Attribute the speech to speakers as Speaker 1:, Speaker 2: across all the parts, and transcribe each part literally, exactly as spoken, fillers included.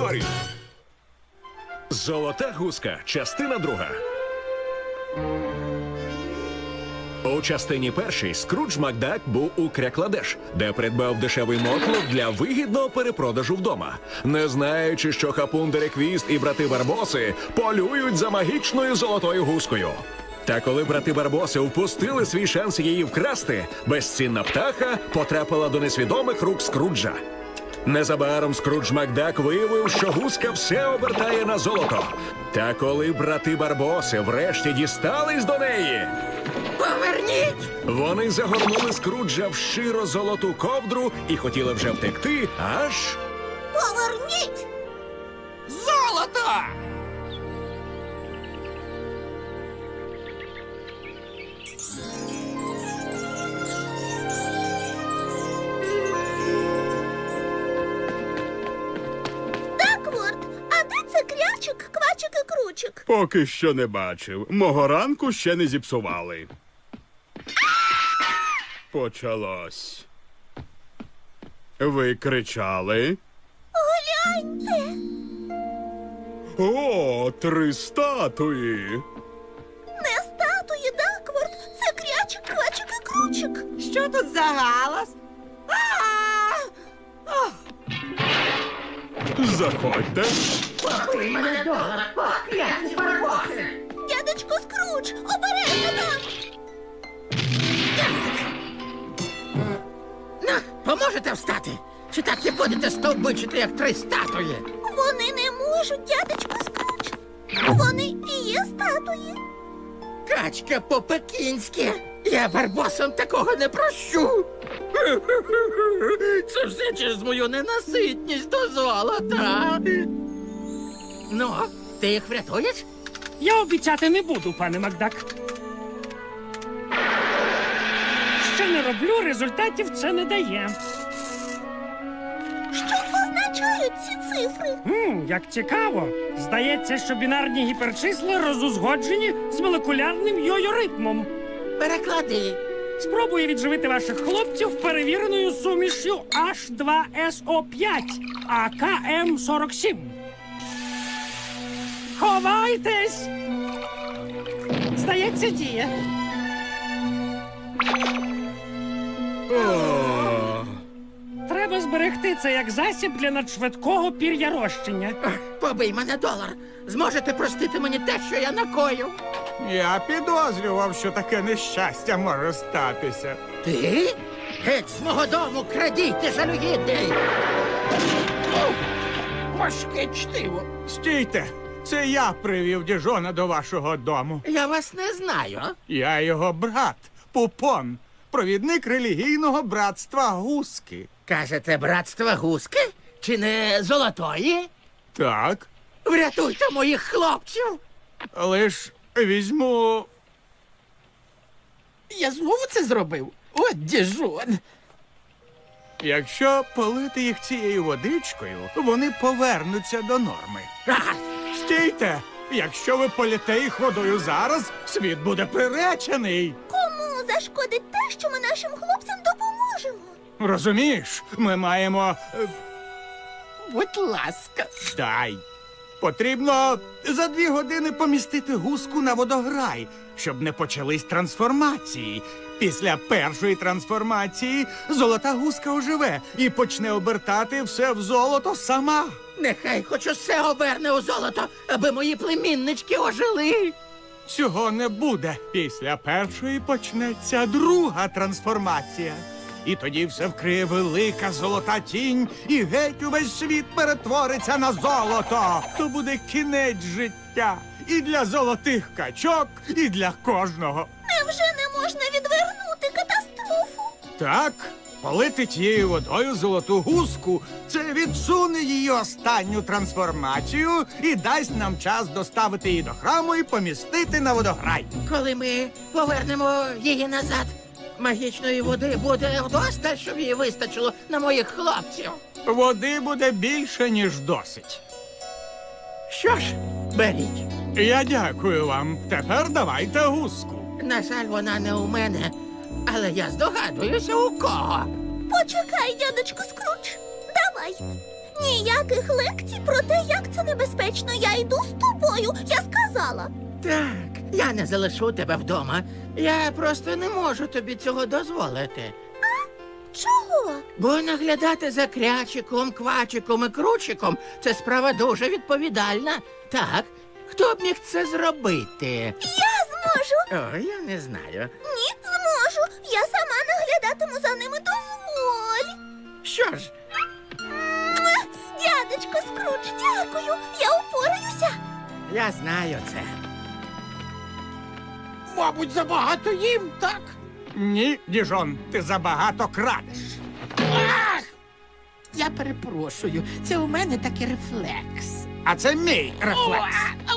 Speaker 1: історій. Золота гуска. Частина друга. У частині першій Скрудж Макдак був у Крякладеш, де придбав дешевий мотлох для вигідного перепродажу вдома, не знаючи, що Хапун Дереквіст і брати Барбоси полюють за магічною золотою гускою. Та коли брати Барбоси впустили свій шанс її вкрасти, безцінна птаха потрапила до несвідомих рук Скруджа. Незабаром Скрудж Макдак виявив, що гуска все обертає на золото. Та коли брати Барбоси врешті дістались до неї,
Speaker 2: Поверніть!
Speaker 1: вони загорнули Скруджа в широ золоту ковдру і хотіли вже втекти, аж...
Speaker 2: Поверніть! Золото!
Speaker 3: Дакворд, а де це крячик, квачик і кручик?
Speaker 4: Поки що не бачив. Мого ранку ще не зіпсували. Почалось. Ви кричали?
Speaker 3: Гляньте!
Speaker 4: О, три статуї!
Speaker 3: Не статуї, Дакворд, це крячик, квачик і кручик.
Speaker 2: Що тут за галас? А! Ох,
Speaker 4: Заходьте.
Speaker 2: Пакуй мене долар, покляті барбоси!
Speaker 3: Дядечко Скрудж, обережно там!
Speaker 2: На, поможете встати? Чи так і будете стовбичити, як три статуї?
Speaker 3: Вони не можуть, дядечко Скрудж. Вони і є статуї.
Speaker 2: Качка по-пекінськи. Я барбосам такого не прощу. Це все через мою ненаситність до золота. Ну, ти їх врятуєш?
Speaker 5: Я обіцяти не буду, пане Макдак. Що не роблю, результатів це не дає.
Speaker 3: Що означають ці цифри?
Speaker 5: Хм, як цікаво. Здається, що бінарні гіперчисла розузгоджені з молекулярним йо-йо-ритмом.
Speaker 2: Переклади.
Speaker 5: Спробую відживити ваших хлопців перевіреною сумішю аш два ес о п'ять, а ка ем сорок сім. Ховайтесь! Здається, діє.
Speaker 4: О,
Speaker 5: Треба зберегти це як засіб для надшвидкого пір'ярощення.
Speaker 2: Ах, Побий мене долар. Зможете простити мені те, що я накоїв?
Speaker 6: Я підозрював, що таке нещастя може статися.
Speaker 2: Ти? Геть з мого дому, крадій, ти жалюгідний! Ух, важке чтиво.
Speaker 6: Стійте, це я привів діжона до вашого дому.
Speaker 2: Я вас не знаю.
Speaker 6: Я його брат, Пупон, провідник релігійного братства Гуски.
Speaker 2: Кажете, братство гуски? Чи не золотої?
Speaker 6: Так,
Speaker 2: Врятуйте моїх хлопців!
Speaker 6: лиш візьму.
Speaker 2: Я знову це зробив? От діжон!
Speaker 6: Якщо полити їх цією водичкою, вони повернуться до норми.
Speaker 2: Ага,
Speaker 6: Стійте! Якщо ви політе їх водою зараз, світ буде приречений.
Speaker 3: Кому зашкодить те, що ми нашим хлопцям допоможемо?
Speaker 6: Розумієш, ми маємо. е,
Speaker 2: будь ласка.
Speaker 6: Дай. Потрібно за дві години помістити гуску на водограй, щоб не почались трансформації. Після першої трансформації золота гуска оживе і почне обертати все в золото сама.
Speaker 2: Нехай хоч усе оберне у золото, аби мої племіннички ожили.
Speaker 6: Цього не буде. Після першої почнеться друга трансформація. І тоді все вкриє велика золота тінь, і геть увесь світ перетвориться на золото. То буде кінець життя і для золотих качок, і для кожного.
Speaker 3: Невже не можна відвернути катастрофу?
Speaker 6: Так, полити тією водою золоту гуску – це відсуне її останню трансформацію і дасть нам час доставити її до храму і помістити на водограй.
Speaker 2: Коли ми повернемо її назад, магічної води буде вдосталь, щоб її вистачило на моїх хлопців.
Speaker 6: Води буде більше, ніж досить.
Speaker 2: Що ж, беріть.
Speaker 6: Я дякую вам. Тепер давайте гуску.
Speaker 2: На жаль, вона не у мене, але я здогадуюся, у кого.
Speaker 3: Почекай, дядечко Скрудж. Давай. Ніяких лекцій про те, як це небезпечно. Я йду з тобою. Я сказала.
Speaker 2: Так, я не залишу тебе вдома. Я просто не можу тобі цього дозволити.
Speaker 3: Чого?
Speaker 2: Бо наглядати за крячиком, квачиком і кручиком це справа дуже відповідальна. Так, хто б міг це зробити?
Speaker 3: Я зможу.
Speaker 2: О, я не знаю.
Speaker 3: Ні, зможу. Я сама наглядатиму за ними. Дозволь.
Speaker 2: Що ж,
Speaker 3: Муа! Дядечко Скрудж, дякую. Я упораюся.
Speaker 2: я знаю це.
Speaker 7: Мабуть, забагато їм, так?
Speaker 6: Ні, Діжон, ти забагато крадеш.
Speaker 7: Ах! Я перепрошую, це у мене такий рефлекс.
Speaker 6: А це мій рефлекс.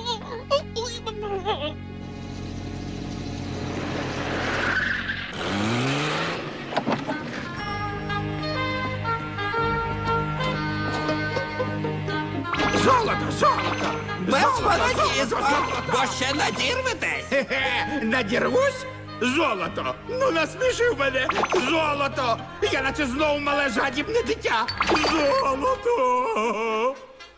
Speaker 7: Золото, золото!
Speaker 8: Без фанатізму, бо ще надірветесь.
Speaker 4: Хе-хе, надірвусь? Золото! Ну насмішив мене! Золото! Я наче знову мале жадібне дитя! Золото!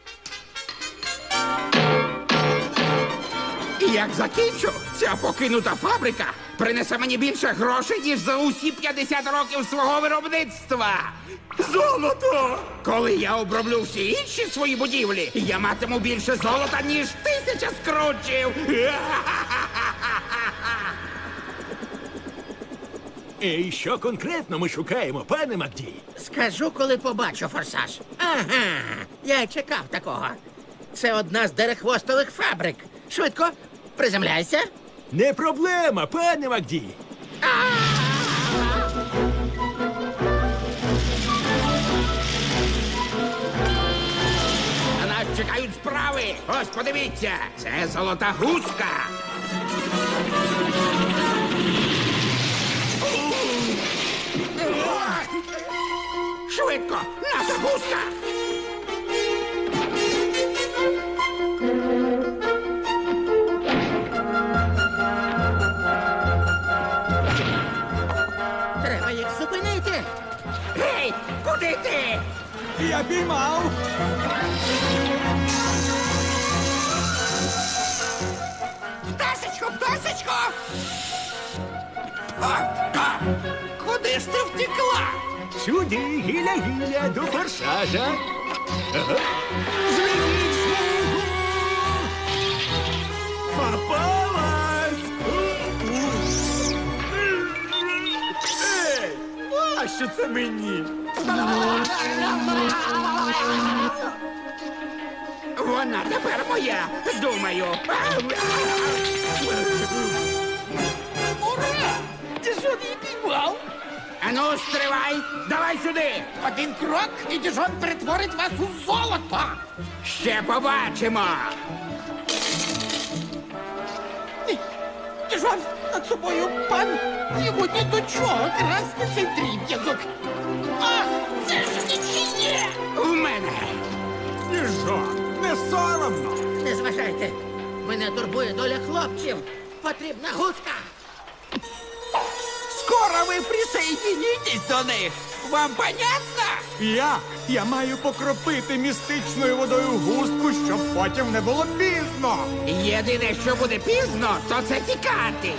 Speaker 7: І як закінчу, ця покинута фабрика принесе мені більше грошей, ніж за усі п'ятдесят років свого виробництва.
Speaker 4: Золото!
Speaker 7: Коли я оброблю всі інші свої будівлі, я матиму більше золота, ніж тисяча скручів.
Speaker 1: І що конкретно ми шукаємо, пане Макді?
Speaker 2: Скажу, коли побачу форсаж. Ага, я й чекав такого. Це одна з дерехвостових фабрик. Швидко, приземляйся.
Speaker 1: Не проблема, пане Макді.
Speaker 7: На нас чекають справи. Ось подивіться, це золота гуска. Швидко, наша гуска.
Speaker 2: Треба їх зупинити.
Speaker 7: Гей, куди ти?
Speaker 6: Я піймав.
Speaker 7: Пташечко, пташечко! А, а, куди ж ти втекла?
Speaker 1: Сюди, гіля-гіля, до форсажа. Ага. Звільніть смугу! Попалась!
Speaker 4: Ей! А що це мені?
Speaker 7: Вона тепер моя, думаю.
Speaker 8: Ура! Ти що її піймав?
Speaker 7: Ану, стривай, давай сюди.
Speaker 8: Один крок, і Діжон перетворить вас у золото.
Speaker 7: Ще побачимо.
Speaker 8: Діжон, над собою пан. Йому ні до чого красти цей дріб'язок. Ах, це ж нічиє!
Speaker 7: У мене.
Speaker 6: Діжон, не соромно.
Speaker 2: Не зважайте. Мене турбує доля хлопців. Потрібна гуска.
Speaker 8: Скоро ви присоединитесь до них. Вам понятно?
Speaker 6: Я? Я маю покропити містичною водою густку, щоб потім не було пізно.
Speaker 7: Єдине, що буде пізно, то це тікати.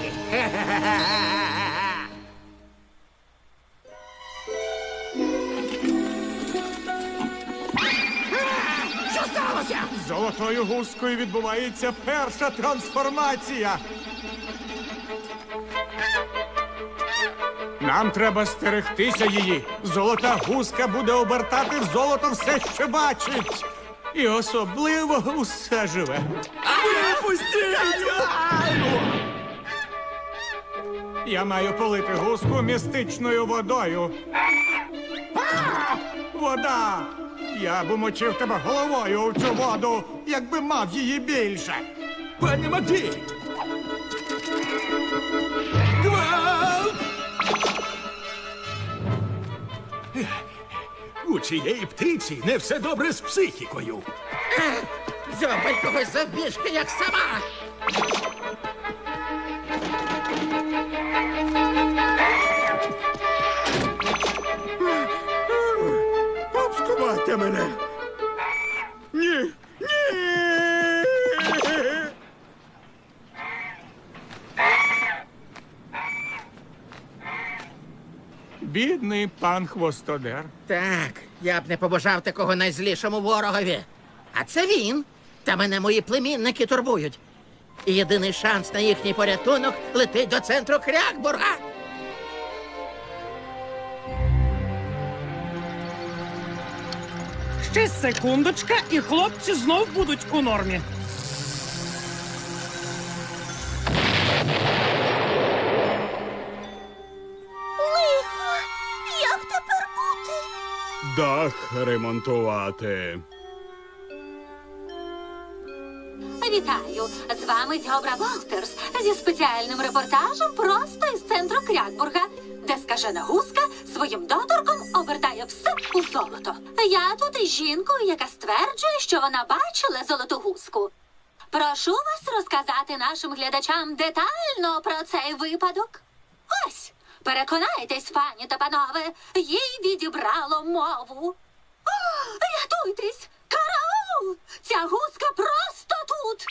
Speaker 7: А, що сталося?
Speaker 6: З золотою гускою відбувається перша трансформація. Нам треба стерегтися її. Золота гуска буде обертати в золото все, що бачить. І особливо усе живе. Я маю полити гуску містичною водою. А! Вода! Я б умочив тебе головою у цю воду, якби мав її більше.
Speaker 1: Пане Макді! Гвалт! У цієї птиці не все добре з психікою.
Speaker 2: Дзьобай когось завбіжки, як сама.
Speaker 4: Обскувайте мене!
Speaker 6: Бідний пан Хвостодер.
Speaker 2: Так, я б не побажав такого найзлішому ворогові. А це він. Та мене мої племінники турбують. І єдиний шанс на їхній порятунок летить до центру Крякбурга.
Speaker 5: Ще секундочка, і хлопці знов будуть у нормі.
Speaker 3: Лихо, як тепер бути?
Speaker 4: Дах ремонтувати.
Speaker 9: Вітаю! З вами Дьобра Волтерс зі спеціальним репортажем просто із центру Крякбурга, де скажена гуска своїм доторком обертає все у золото. Я тут із жінкою, яка стверджує, що вона бачила золоту гуску. Прошу вас розказати нашим глядачам детально про цей випадок. Ось, переконайтесь, пані та панове, їй відібрало мову. О, рятуйтесь! Караул! Ця гуска просто тут!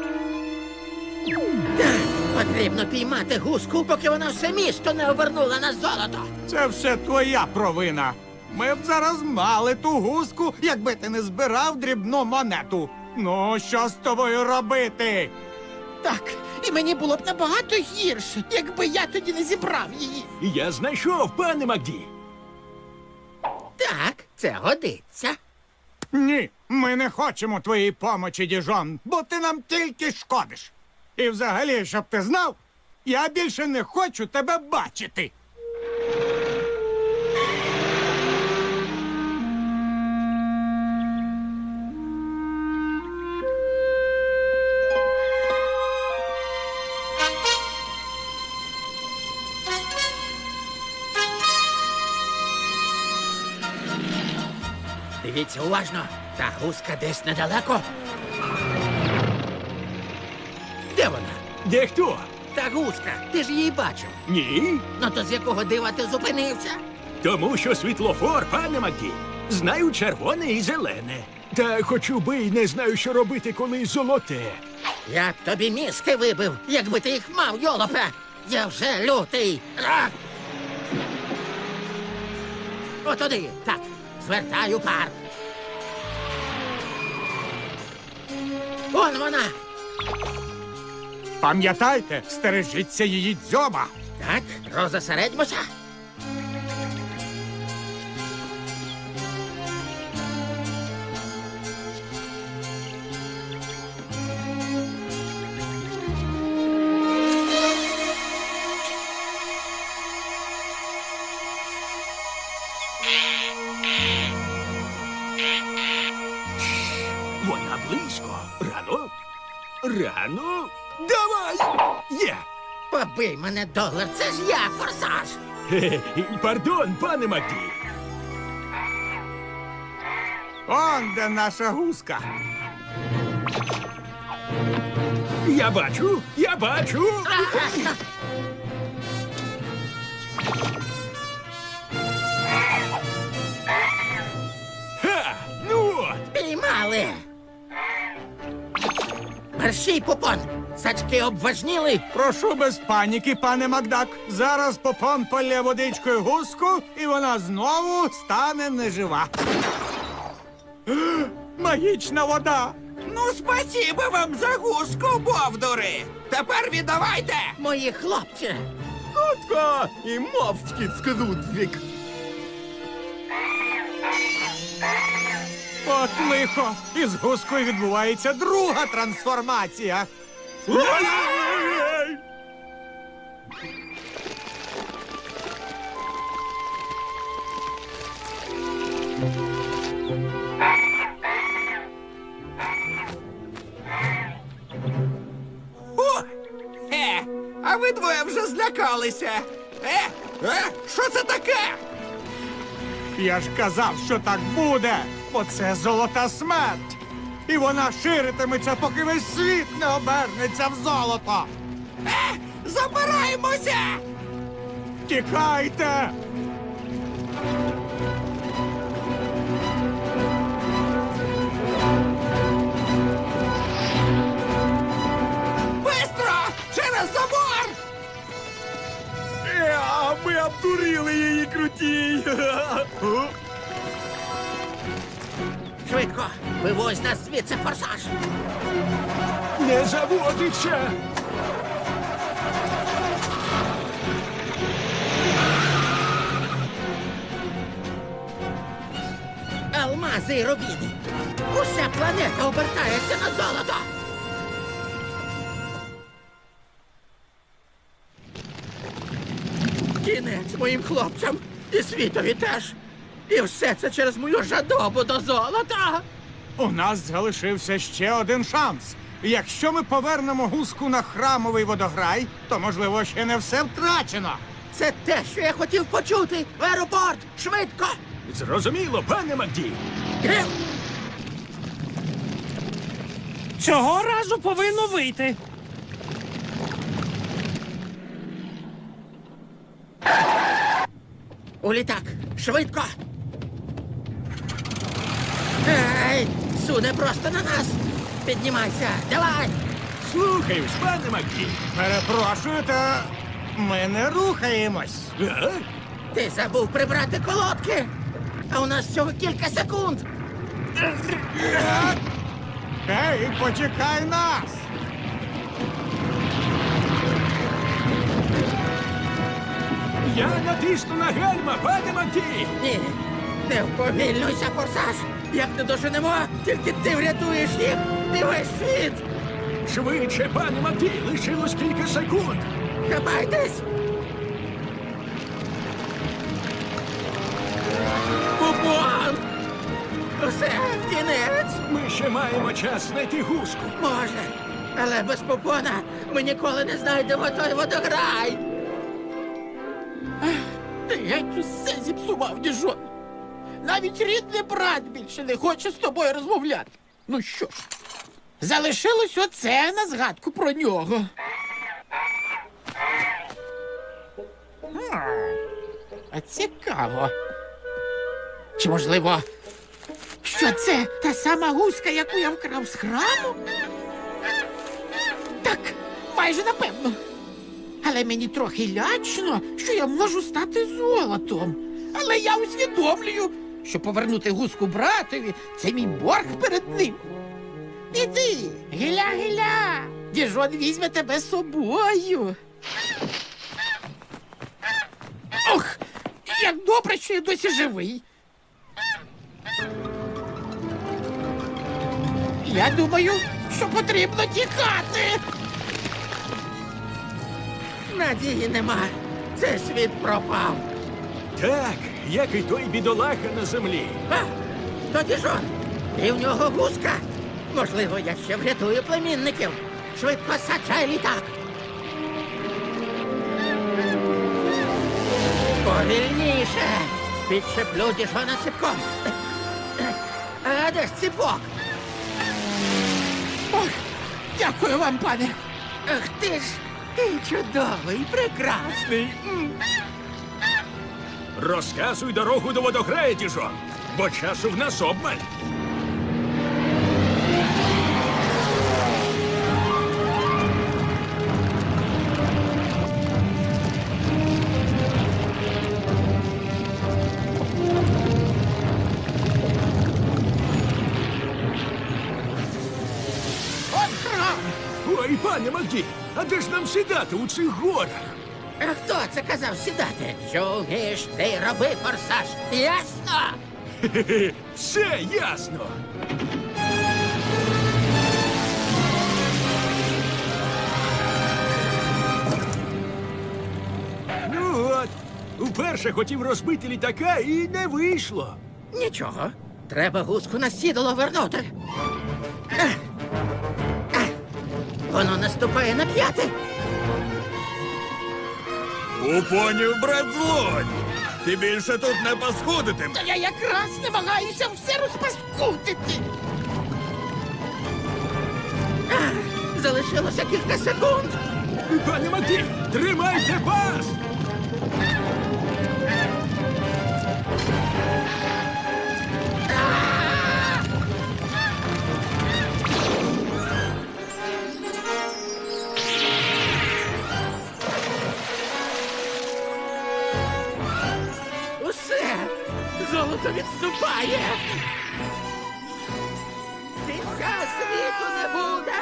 Speaker 2: Потрібно піймати гуску, поки вона все місто не обернула на золото.
Speaker 6: Це все твоя провина. Ми б зараз мали ту гуску, якби ти не збирав дрібну монету. Ну, що з тобою робити?
Speaker 8: Так, і мені було б набагато гірше, якби я тоді не зібрав її.
Speaker 1: Я знайшов, пане Макді.
Speaker 2: Так, це годиться.
Speaker 6: Ні, ми не хочемо твоєї помочі, діжон, бо ти нам тільки шкодиш. І взагалі, щоб ти знав, я більше не хочу тебе бачити.
Speaker 2: Дивіться уважно, та гуска десь недалеко. Де вона?
Speaker 1: Де хто?
Speaker 2: Та гуска, ти ж її бачив.
Speaker 1: Ні.
Speaker 2: Ну то з якого дива ти зупинився?
Speaker 1: Тому що світлофор, пане Макді. Знаю червоне і зелене. Та хочу би й не знаю, що робити, коли золоте.
Speaker 2: Я б тобі мізки вибив, якби ти їх мав, йолопе. Я вже лютий. А! Отуди, так, звертаю парк. Он вона.
Speaker 6: Пам'ятайте, стережіться її дзьоба.
Speaker 2: Так, розосередьмося.
Speaker 1: Вона близько. Рано? Рано? Давай! Є!
Speaker 2: Побий мене, долар, це ж я, форсаж.
Speaker 1: Хе-хе, пардон, пане Макді.
Speaker 6: Он де наша гуска.
Speaker 1: Я бачу, я бачу. Ха! Ну от!
Speaker 2: Піймали. Мерщій, Попон. Сачки обважніли.
Speaker 6: Прошу без паніки, пане Макдак. Зараз Попон полє водичкою гуску, і вона знову стане нежива. Магічна вода.
Speaker 7: Ну, спасіба вам за гуску, бовдури! Тепер віддавайте!
Speaker 2: Мої хлопці.
Speaker 4: Хутко і мовчки скрудвік.
Speaker 6: От лихо. Із гускою відбувається друга трансформація.
Speaker 7: О! Е, а ви двоє вже злякалися. Е, е, що це таке?
Speaker 6: Я ж казав, що так буде, бо це золота смерть. І вона ширитиметься, поки весь світ не обернеться в золото.
Speaker 7: Е, забираємося!
Speaker 6: Тікайте!
Speaker 7: Бистро! Через забор!
Speaker 1: Я, ми обдурили її крутій.
Speaker 2: Швидко, вивозь нас звідси, форсаж.
Speaker 1: Не заводиться.
Speaker 2: Алмази і рубіни. Уся планета обертається на золото. Кінець моїм хлопцям і світові теж. І все це через мою жадобу до золота.
Speaker 6: У нас залишився ще один шанс. Якщо ми повернемо гуску на храмовий водограй, то, можливо, ще не все втрачено.
Speaker 2: Це те, що я хотів почути. В аеропорт! Швидко!
Speaker 1: Зрозуміло, пане Макді.
Speaker 2: Гев!
Speaker 5: Цього разу повинно вийти.
Speaker 2: У літак! Швидко! Ей! Суне просто на нас! Піднімайся! Давай!
Speaker 1: Слухаюсь, пане Макді.
Speaker 6: Перепрошую, та ми не рухаємось.
Speaker 1: А?
Speaker 2: Ти забув прибрати колодки! А у нас всього кілька секунд!
Speaker 6: Ей, почекай нас!
Speaker 1: Я натисну на гальма, пане Макді.
Speaker 2: Ні! Не вповільнуйся, форсаж! Як не доженемо, тільки ти врятуєш їх і весь світ!
Speaker 1: Швидше, пане Макді, лишилось кілька секунд.
Speaker 2: Хапайтесь! Бубон! Усе, кінець!
Speaker 1: Ми ще маємо час знайти гуску.
Speaker 2: Може, але без попона ми ніколи не знайдемо той водограй!
Speaker 8: Ти геть усе зіпсував, діжон. Навіть рідний брат більше не хоче з тобою розмовляти. Ну що ж, залишилось оце на згадку про нього. Хм, А цікаво. Чи можливо, що це та сама гуска, яку я вкрав з храму? Так, майже напевно. Але мені трохи лячно, що я можу стати золотом. Але я усвідомлюю, що повернути гуску братові – це мій борг перед ним. Іди, гиля-гиля, діжон візьме тебе з собою. Ох, як добре, що я досі живий. Я думаю, що потрібно тікати.
Speaker 2: Надії нема. Цей світ пропав.
Speaker 1: Так, як і той бідолаха на землі.
Speaker 2: А, тоді ж он. І в нього гуска. Можливо, я ще врятую племінників. Швидко саджай літак. Повільніше. Підшеплю діжона ціпком. А де ж ціпок?
Speaker 8: Ох, дякую вам, пане.
Speaker 2: Ах ти ж, ти чудовий, прекрасний. М.
Speaker 1: Розказуй дорогу до водограя, діжон, бо часу в нас обмаль.
Speaker 8: От храм.
Speaker 1: Ой, пане Макді, а де ж нам сідати у цих горах?
Speaker 2: А хто це казав сідати? Що вмієш, ти й роби, форсаж. Ясно?
Speaker 1: Хе-хе, все ясно. Ну от, уперше хотів розбити літака і не вийшло.
Speaker 2: Нічого. Треба гуску на сідало вернути. Ех. Ех. Воно наступає на п'яти.
Speaker 1: Упонів брат злодій. Ти більше тут не паскудитим.
Speaker 8: Та я якраз намагаюся все розпаскудити.
Speaker 2: Ех. Залишилося кілька секунд.
Speaker 1: Пане Макді, тримайте пас!
Speaker 2: Золото відступає. Кінця світу не буде.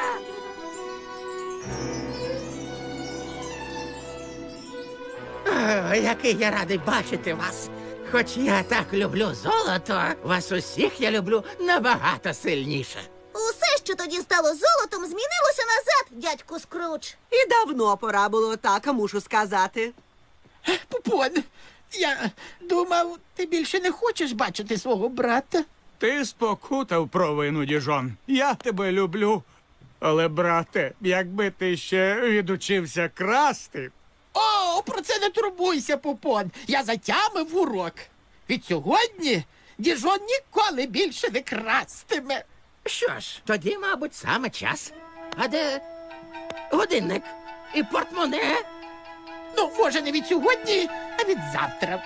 Speaker 2: О, який я радий бачити вас. Хоч я так люблю золото, вас усіх я люблю набагато сильніше.
Speaker 3: Усе, що тоді стало золотом, змінилося назад, дядьку Скрудж.
Speaker 10: І давно пора було так, мушу сказати.
Speaker 8: Пупон, я думав, ти більше не хочеш бачити свого брата.
Speaker 6: Ти спокутав провину, діжон. Я тебе люблю. Але, брате, якби ти ще відучився красти.
Speaker 8: О, про це не турбуйся, Пупон. Я затямив урок. Від сьогодні Діжон ніколи більше не крастиме.
Speaker 2: Що ж, тоді, мабуть, саме час. А де годинник і портмоне?
Speaker 8: Ну, може, не від сьогодні, а від завтра.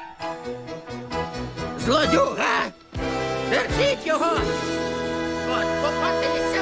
Speaker 2: Злодюга! Держіть його! От попатися!